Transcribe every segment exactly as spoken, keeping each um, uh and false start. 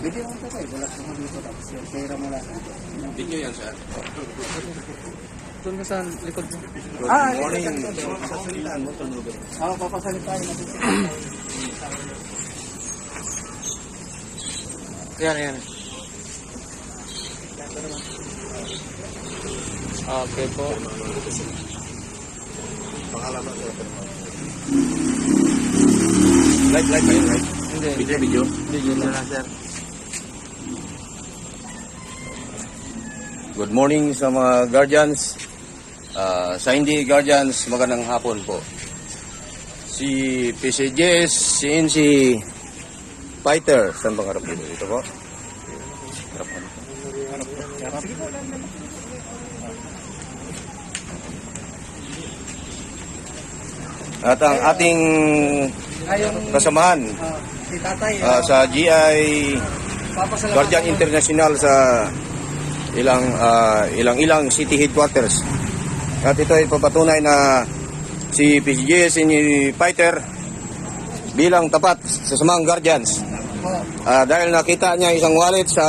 Video mo tayo, wala ko mo dito tapos yung pera mo lang. Video yan, sir. Doon ka sa likod mo. Good Ah, morning. ito, ito, ito. Sasalitaan mo, tunugan. Ako, papasalit tayo natin. Yan, yan. Okay po. Pangalaman ko. Live, live ba yun, live? Hindi. Video, video. Video na lang, sir. Good morning sa mga guardians. Uh, sa hindi guardians, magandang hapon po. Si P C J S, si N C Fighter, saan bang harap dito? Ito po. Harap po. At ang ating Ayong, kasamahan ah, si tatay, uh, sa G I papasalamatan Guardian ko. International sa ilang uh, ilang ilang city headquarters. At ito ay papatunay na si P C J S ni Fighter bilang tapat sa samang guardians. Uh, dahil nakita niya isang wallet sa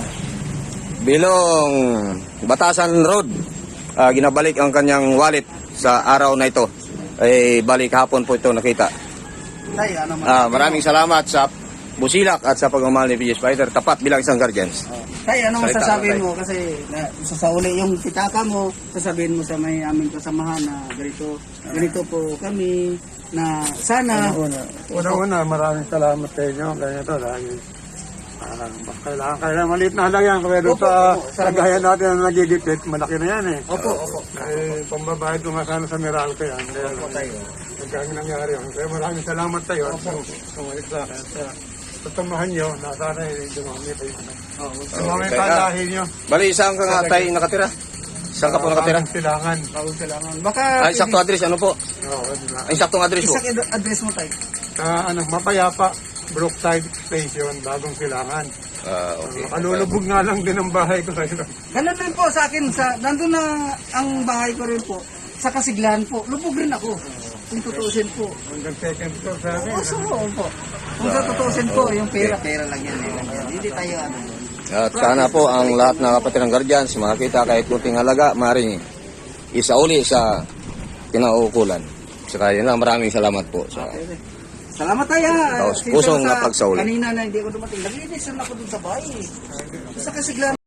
Bilong Batasan Road. Uh, ginabalik ang kanyang wallet sa araw na ito. Ay balik hapon po ito nakita. Tay, ano man. Uh, maraming salamat sa busilak at sa pagmamahal ni P C J S Fighter tapat bilang isang guardians. Tay, ano Salita, masasabihin tay. mo? Kasi na, sasauli yung pitaka mo, sasabihin mo sa may aming kasamahan na ganito, ganito po kami, na sana, Una-una, maraming salamat sa inyo. Ganito dahil uh, kailangan, kailangan maliit na lang yan. Pero Opo, sa opo, salamat. kagaya natin na nagigipit, malaki na yan eh. opo, opo. Eh, pambabayad ko nga sana sa Meralco yan. Kaya Opo, tayo. nagkang nangyari yan. Kaya maraming salamat tayo. Opo. Sumalik sa akin. Kaya tutamahan nyo na sana eh, dumami kayo. Oo, Dumami Okay, pa ah. dahil nyo. Bali, saan ka nga tayo nakatira? Saan ka po nakatira? Maraming silangan. bawal kailangan. Baka, Ay, sakto address, ano po? Oo, diba? Ay, saktong address po. isang address mo tayo. Sa ano, Mapayapa, Brookside Station, Bagong Silangan. Ah, okay. Kalulubog nga lang din ang bahay ko sa ito. Ganun din po sa akin, sa, nandun na ang bahay ko rin po, sa Kasiglan po, lubog rin ako. Kung tutuusin po. Hanggang second floor sa akin. Oo, so, po. Kung sa tutuusin po, yung pera. Pera lang yan, eh. Hindi tayo ano. At sana po ang lahat ng kapatid ng guardians, makakita kahit kunting halaga, maaaring isauli sa kinaukulan. Saka yun lang, maraming salamat po. Sa, Salamat tayo. ah. Taos Siyempre pusong sa- napagsauli. Kanina na hindi ako dumating. Naglinis na ako dun sa bahay. Sa Kasiglan.